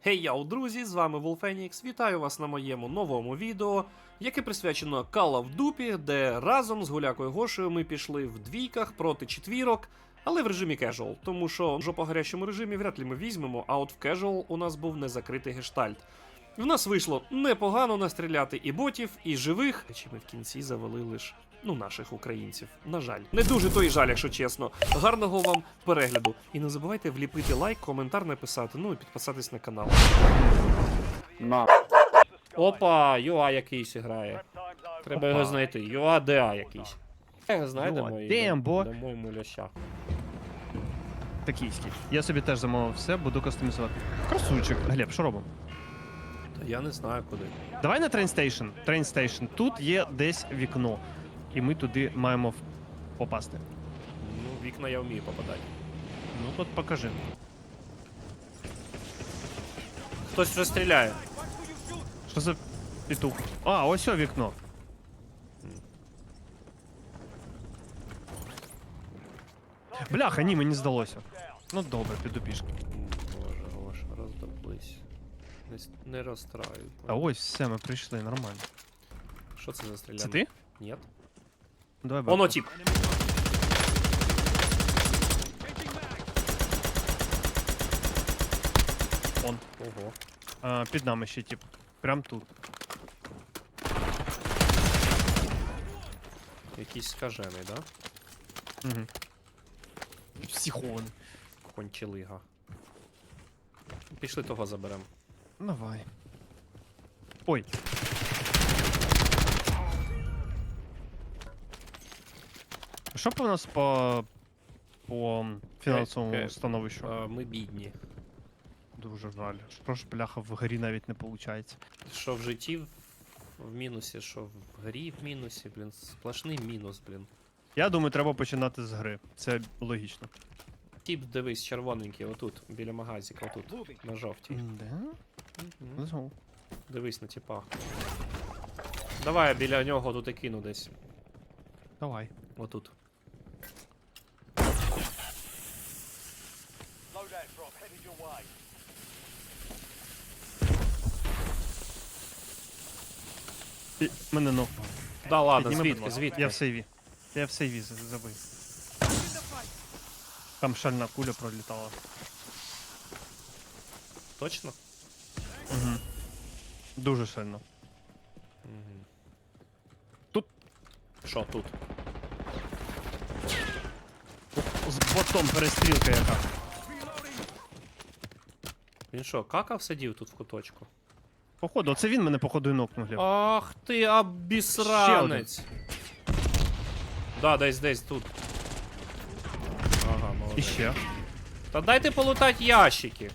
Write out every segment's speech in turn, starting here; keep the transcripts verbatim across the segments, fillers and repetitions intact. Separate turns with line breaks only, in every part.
Хей, яу, друзі, з вами Волфенікс. Вітаю вас на моєму новому відео, яке присвячено Call of Duty, де разом з Гулякою Гошею ми пішли в двійках проти четвірок, але в режимі casual, тому що в по-гарячому режимі вряд ли ми візьмемо, а от в casual у нас був незакритий гештальт. В нас вийшло непогано настріляти і ботів, і живих, чи ми в кінці завели лише, ну, наших українців. На жаль. Не дуже то і жаль, якщо чесно. Гарного вам перегляду. І не забувайте вліпити лайк, коментар написати, ну і підписатись на канал.
На.
Опа, Юа якийсь грає. Треба його знайти. Юа ДА якийсь. Його знайдемо і
Damn, boy.
дамо йому ляща.
Токійський. Я собі теж замовив все, буду кастомізувати. Красунчик. Глеб, що робимо?
Та я не знаю куди.
Давай на трейнстейшн. Трейнстейшн. Тут є десь вікно. І ми туди маємо в- попасти.
Ну, вікна я вмію попадати.
Ну тут покажи.
Хтось вже стріляє.
Що за петух? А, ось о вікно. Бляха, ні, мені здалося. Ну добре, піду пішки.
Боже, Гоша, роздоблись. Не, с- не розстраюй.
А ось все, ми прийшли, нормально.
Що це за стріляна?
Це ти?
Ні.
Давай
Воно
бабку.
тип.
Он.
Ого.
А, під нами ще тип. Прям тут.
Якийсь скажений, да?
Угу. Психований.
Кончелига. Пішли того заберем.
Давай. Ой. Що по нас по по фінансовому
Е, е,
становищу?
А, ми бідні.
Дуже жаль. Що ж, бляха, в грі навіть не виходить.
Що в житті в, в мінусі, що в грі в мінусі, блін, сплошний мінус, блін.
Я думаю, треба починати з гри. Це логічно.
Тіп, дивись, червоненький, отут, біля магазика, отут, на жовтій.
Да?
Мгм.
Ну,
Дивись на тіпа. Давай я біля нього тут і кину десь.
давай.
Отут.
І мене ну.
Да ладно,
Підніми, будь
звідки,
ласка.
звідки?
Я в сейві. Я в сейві за- забив. Там шальна куля пролітала.
Точно?
Угу. Дуже сильно.
Угу.
Тут.
Що тут?
З ботом перестрілка яка.
Він що, какав сидів тут в куточку?
Походу, оце він мене походу і нокнув, Глеб.
Ах ти, обісранець! Да, десь десь тут. Ага,
І
молодець.
ще.
Та дайте полутать ящики.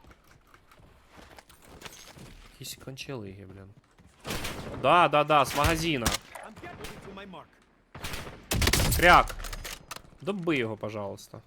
Якісь кончелиги, блін. Да, да, да, з магазина. Кряк. Доби його, пожалуйста.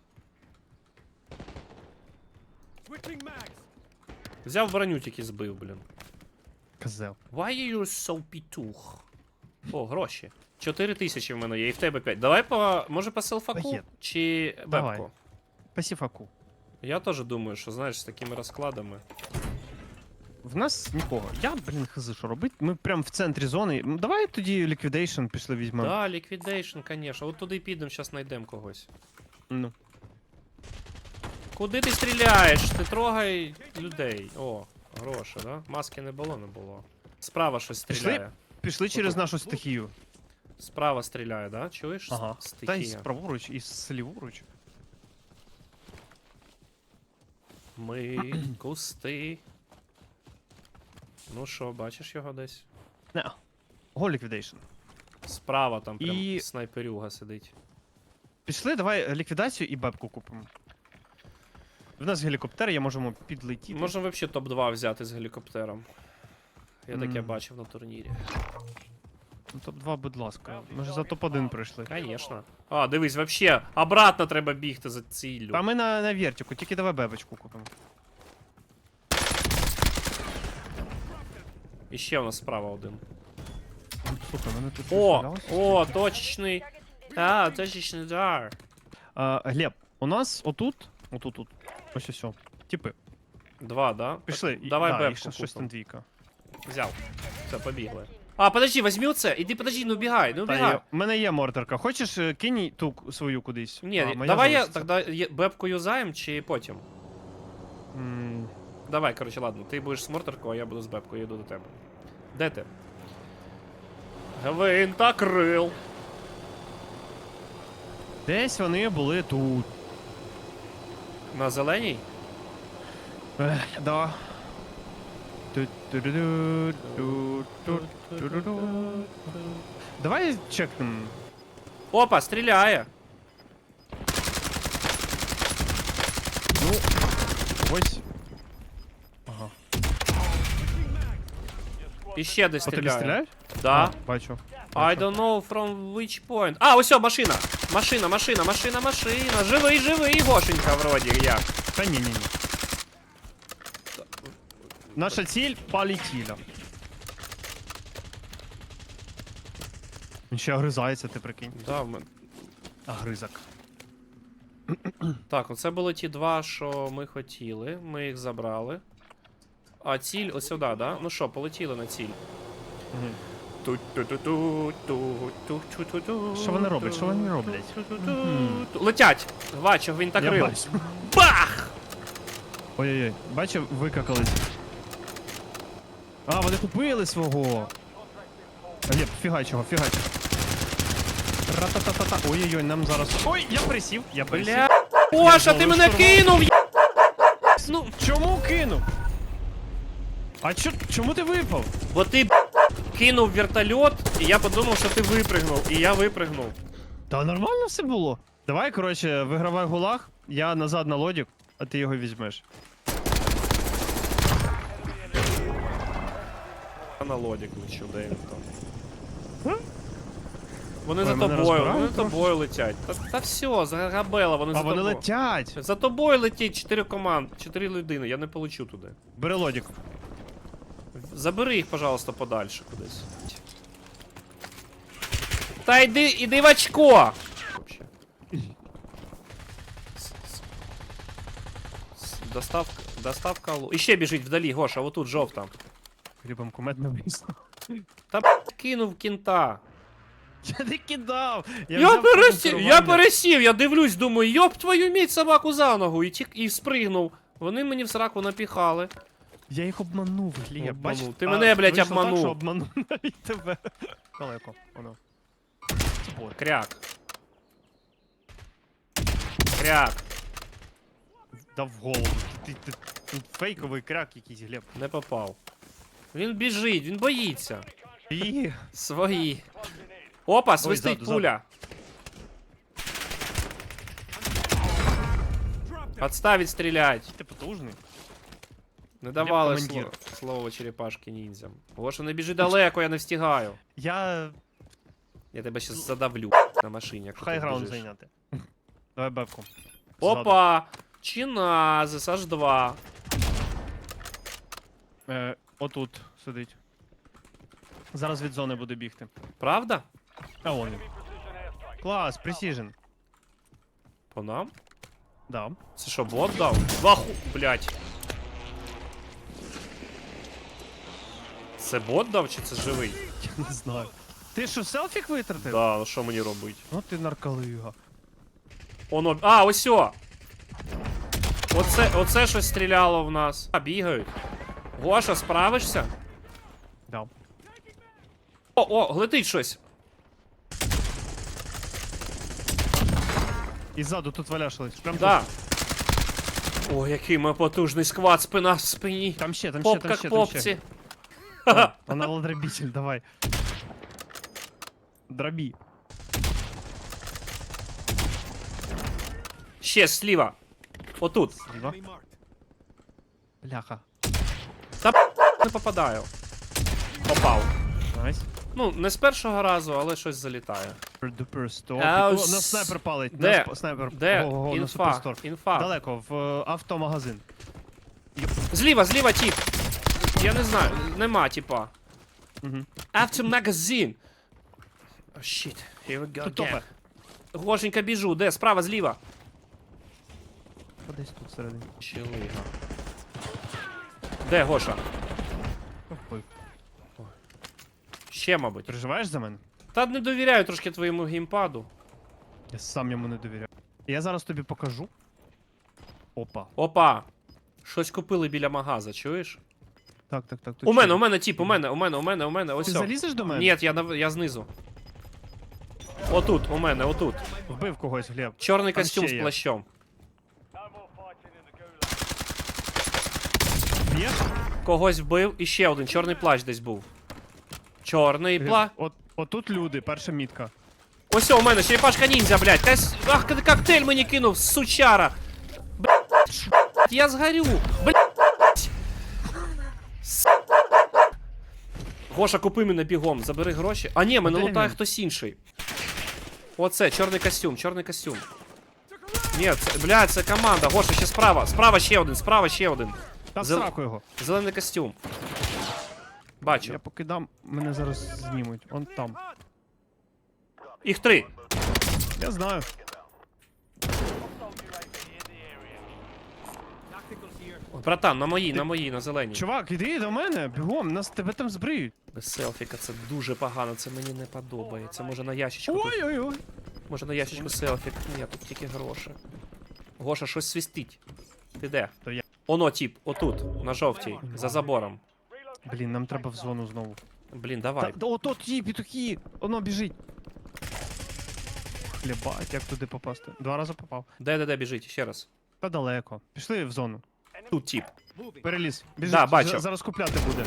Взяв броню, тільки збив, блін.
Козел.
Why are you so пітух? О, гроші. Чотири тисячі в мене є, і в тебе п'ять. Давай по, може по селфаку?
Є.
Чи
Давай.
бебку?
Пасіфаку.
Я теж думаю, що, знаєш, з такими розкладами.
В нас нікого. Я, блін, хз, що робити? Ми прям в центрі зони. М, Давай тоді ліквідейшн пішли візьмемо.
Да, ліквідейшн, конечно. От туди підемо, зараз знайдемо когось.
Ну.
Куди ти стріляєш? Ти трогай людей. О, гроші, да? Маски не було, не було. Справа щось
Пішли?
стріляє.
Пішли через
Отут.
нашу стихію.
Справа стріляє, да? Чуєш?
Ага.
С-
Та й
Стихія.
праворуч, і сліворуч.
Ми кусти. Ну що, бачиш його десь?
Не. Го ліквідейшн.
Справа там прям
І-
снайперюга сидить.
Пішли, давай ліквідацію і бебку купимо. В нас гелікоптер, я можемо підлетіти.
Можна взагалі топ два взяти з гелікоптером. Я таке
Мгм.
бачив на турнірі.
Ну, топ два, будь ласка. Ми ж за топ один пройшли.
Конечно. А, дивись, вообще, обратно треба бігти за ціллю.
А ми на, на вертику, тільки давай бебочку купимо.
І ще у нас справа один.
Слухай, мене тут
О!
розстрілялося.
О, точечний. А, точечний удар.
А, Глеб, у нас отут, отут, тут, ось ось, о, типи.
Два, да?
Пішли. і-
Давай
да, і
бебку
ще щось там
купимо.
двійка.
Взяв. Все, побігли. А, подожди, возьми оце. Іди, подожди, не убігай, не
Та
убігай.
є, у мене є мортерка. Хочеш, е, кинь ту к- свою кудись?
Ні,
А, моя
давай я
залишиться.
тоді є- бебку юзаєм чи потім?
М,
Давай, коротше, ладно, ти будеш з мортеркою, а я буду з бебкою, я йду до тебе. Де ти? Гвинтокрил.
Десь вони були тут.
На зеленій?
Ех, да. Ту-ту-ду-ду, ту-ту-ду-ду. Давай чекнем.
Опа, стріляє.
Ну, ось. Ага.
І ще десь
По тобі
стріляє.
стріляють?
Да.
А, бачу.
I don't know from which point. А, ось о, машина. Машина, машина, машина, машина. Живий, живий, Гошенька, вроді як.
Та ні, ні, ні. Наша ціль полетіла. Він ще огризається, ти прикинь.
Да, в мен-
Огризок.
Так, оце були ті два, що ми хотіли. Ми їх забрали. А ціль ось сюди, да? Ну що, полетіли на ціль.
Мгм.
Ту-ту-ту-ту-ту-ту-ту-ту.
Що вони роблять? Що вони роблять? Мгм.
Летять! Бачу, він так
Я
рив.
бачу.
Бах!
Ой-ой-ой, бачив, викакались. А, вони купили свого. А, ні, фігачого, фігачого. Ра-та-та-та-та. Ой-ой-ой, нам зараз. Ой, я присів, я присів.
Бля. Гоша, ти
зловив
мене
штурвал.
кинув! я- Ну,
Чому кинув? А чо, чому ти випав?
бо ти б, кинув вертольот, і я подумав, що ти випригнув. І я випригнув.
Та нормально все було. Давай, коротше, вигравай гулаг, я назад на лодік, а ти його візьмеш.
Я на лодік лечу, де він там. Вони
Ой,
за
мене
тобою, вони
розбирають
за тобою летять. Та, та все, загабела, вони
А
за
вони
тобою.
летять.
За тобою летять чотири команд, чотири людини, я не полечу туди.
Бери лодік.
Забери їх, пожалуйста, подальше кудись. Та йди, іди в очко! Вообще. С- с- с- Доставка, доставка лу. І ще біжить вдалі, Гоша, отут жовта.
Грибом кумедно вийшло.
Та кинув кінта.
Я не кидав.
Я,
взяв
пересів, я
консервування.
пересів, я дивлюсь, думаю, йоп твою мідь собаку за ногу, і, тік, і спригнув. Вони мені в сраку напіхали.
Я їх обманув, Гліб.
Обманув.
Бачиш?
Ти
А,
мене, блядь,
вийшло так,
обманув.
що обманув навіть тебе. Далеко, воно. Це бот.
Кряк. Кряк.
Дав в голову. Ти, ти, ти фейковий крак якийсь, Глеб.
Не попав. Він біжить, він боїться.
І...
Свої. Опа, свистить
ззаду,
пуля. Отставить стрілять.
Ти потужний.
Не давали
командир.
слово, слово черепашки ніндзям. Гоша, не біжи далеко, я не встигаю.
Я
Я тебе щас задавлю на машині, якщо ти
хайграунд
біжиш.
зайняти. Давай бебку.
Опа! Чиназис, аж два.
Е, отут сидить. Зараз від зони буде бігти.
Правда?
А вон він. Клас, Precision.
По нам?
Да.
Це що, бот дав? Ваху, блять. Це бот дав чи це живий?
Я не знаю. Ти що, селфік витратив?
Да, ну що мені робить?
Ну ти нарколига.
Оно. А, ось о! Оце, оце щось стріляло в нас. А, бігають. Гоша, справишся?
Да.
О, о, летить щось.
І ззаду тут валяшились. Прям
Да. О, який ми потужний сквад, спина в спині.
тут. Там ще, там ще,
Поп
там
як
ще, там
попці.
ще. О, Вона ладробитель, давай. Дробі.
Ще зліва. Отут.
Зліва. Бляха.
Та не попадаю. Попав.
Найс.
Ну, не з першого разу, але щось залітає.
Дуper стоп.
А,
О,
ось-
на снайпер палить.
Де?
На сп- снайпер.
Де?
Ого, на
Інфа.
суперстор.
Інфа.
Далеко, в е, автомагазин.
Зліва, зліва тіп. Я не знаю, нема тіпа.
Угу.
After magazine. Oh, shit. Here we go
Тут
again.
топе.
Гошенька, біжу. Де? Справа, зліва.
Десь тут всередині.
Щелига. Де Гоша?
Ой,
Ще, мабуть.
переживаєш за мене?
Та не довіряю трошки твоєму геймпаду.
Я сам йому не довіряю. Я зараз тобі покажу. Опа.
Опа! Щось купили біля магаза, чуєш?
Так, так, так. тут
У мене,
що?
у мене, тіп, у мене, у мене, у мене, у мене, ось.
Ти
о.
залізеш до мене?
Ні, я, нав- я знизу. Отут, у мене, отут.
Вбив когось, Глеб.
Чорний
Там
костюм
ще
з
є.
плащом.
Б'єш?
Когось вбив і ще один чорний плащ десь був. Чорний
Глеб,
плащ.
От, отут люди, перша мітка.
Ось у мене черепашка ніндзя, блядь. Кась... Ах, кок- коктейль мені кинув, сучара. Блядь, я згорю. Блядь. С- Гоша, купи мене бігом, забери гроші. А ні, мене
Де
лутає
він?
хтось інший. Оце, чорний костюм, чорний костюм. Ні, це, блядь, це команда. Гоша, ще справа. Справа ще один, справа ще один.
Та в
Зел-
сраку його.
Зелений костюм. Бачу.
Я покидам, мене зараз знімуть. Он там.
Їх три.
Я знаю.
Братан, на моїй, на моїй, на зеленій.
Чувак, іди до мене, бігом, нас тебе там збриють.
Без селфіка це дуже погано, це мені не подобається. Може на ящичку тут.
Ой-ой-ой.
Може на ящичку селфік. Ні, тут тільки гроші. Гоша, щось свистить. Ти де?
То я.
Оно, тіп, отут, на жовтій, за забором.
Блін, нам треба в зону знову.
Блін,
Та,
давай.
та ото ті петухи, воно біжить. Хлібать, як туди попасти? Два рази попав.
Де, де, де біжить? Ще раз.
Та далеко. Пішли в зону.
Тут тіп.
Переліз. Біжить.
Да, бачу.
За- Зараз купляти буде.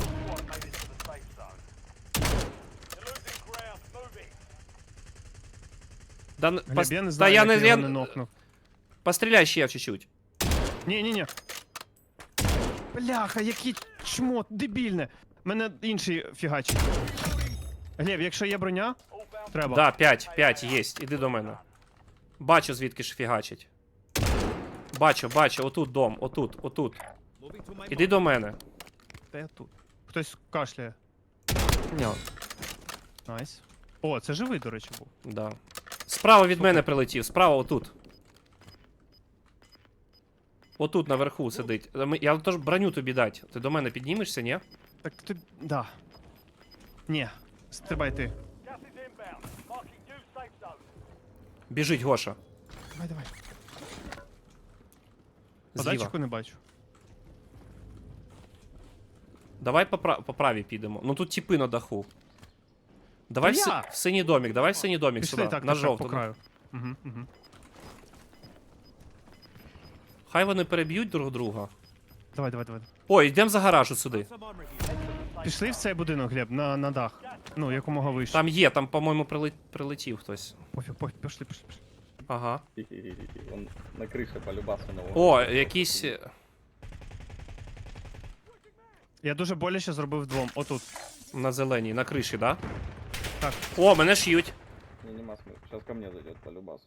Да, н-
Глеб,
пос...
я не
Та
знаю,
я
як
не,
я
я...
його не нокнув.
Постріляй ще чуть-чуть.
Ні-ні-ні. Бляха, який чмо, дебільне. Мене інший фігачить. Глеб, якщо є броня, треба.
Да, п'ять, п'ять, єсть. Іди до мене. Бачу, звідки ж фігачить. Бачу, бачу, отут дом, отут, отут. Іди до мене.
Та я тут. Хтось кашляє.
Ні.
Найс. О, це живий, до речі, був.
Да. Справа від мене прилетів, справа отут. Отут наверху сидить. Е, ми- Я теж броню тобі дать. Ти до мене піднімешся, ні?
Так ти. Да. Ні. Стрибай ти.
Біжить Гоша.
Давай, давай.
Зліва.
Подачку не бачу.
Давай по, пра- по правій підемо. Ну тут тіпи на даху. Давай в,
Та
си-
я!
в синій домік, давай в синій домік
Пішли
сюди,
так,
на
так,
жовту.
по краю. Угу, угу.
Хай вони переб'ють друг друга.
Давай, давай, давай.
Ой, йдемо за гараж от сюди.
Пішли в цей будинок, Глеб, на, на дах. Ну, якомога вище.
Там є, там, по-моєму, приле- прилетів хтось.
Пофіг, пофіг, пішли, пішли, пішли.
Ага.
Он на крыше полюбасу нового.
О, якісь. е,
Я дуже боляче зробив двом. Отут.
На зеленій, на криші, да?
Так.
О, мене ш'ють.
Не, нема смысла. Сейчас ко мне зайдет полюбасу.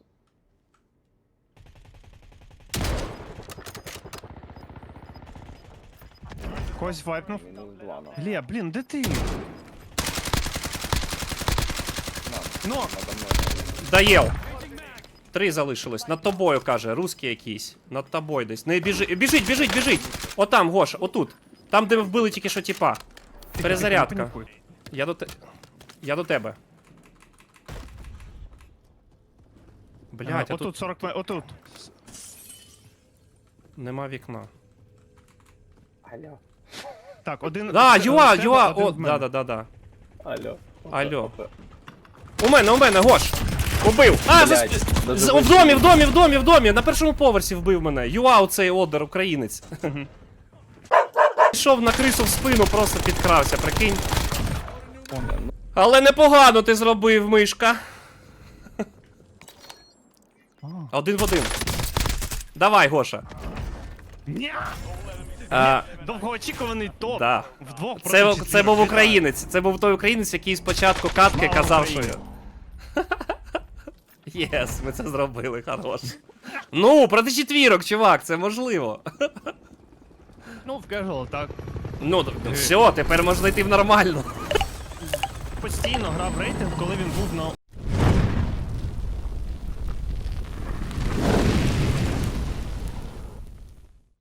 Когось вайпнув.
Минус два на.
Глеб, блін, де ти?
На,
Ну,
надо мной.
Даєв. Три залишилось. Над тобою, каже, русський якийсь. Над тобою десь. Не біжи. Біжить, біжить, біжить. Отам, Гоша, отут. Там, де ми вбили тільки що тіпа.
тихо, тихо,
Перезарядка.
не панікуй.
Я до те. Я до тебе. Блять,
Ага,
а
отут
тут
сорок метрів, отут.
нема вікна.
Алло.
Так, один.
Да,
це-
юа,
в тебе,
юа,
один
о,
в мене.
да, да, да, да.
Алло.
Алло.
Опа.
У мене, у мене, Гош! Убив! А,
Блядь,
за...
даже
з-
ви-
в домі, в домі, в домі, в домі! На першому поверсі вбив мене. Юа, оцей одер, українець. Пішов на крису в спину, просто підкрався, прикинь. Але непогано ти зробив, мишка.
А.
Один в один. Давай, Гоша.
Ні!
А,
Довгоочікуваний топ.
да.
Вдвох проти
Це,
четвірок.
це був
Вітаю.
українець. Це був той українець, який спочатку катки
Слава
казав, що.
Україні.
Єс, ми це зробили, хорош. Ну, проти четвірок, чувак, це можливо.
Ну, в casual, так.
Ну, д- д- все, тепер можна йти в нормально.
Постійно грав рейтинг, коли він був на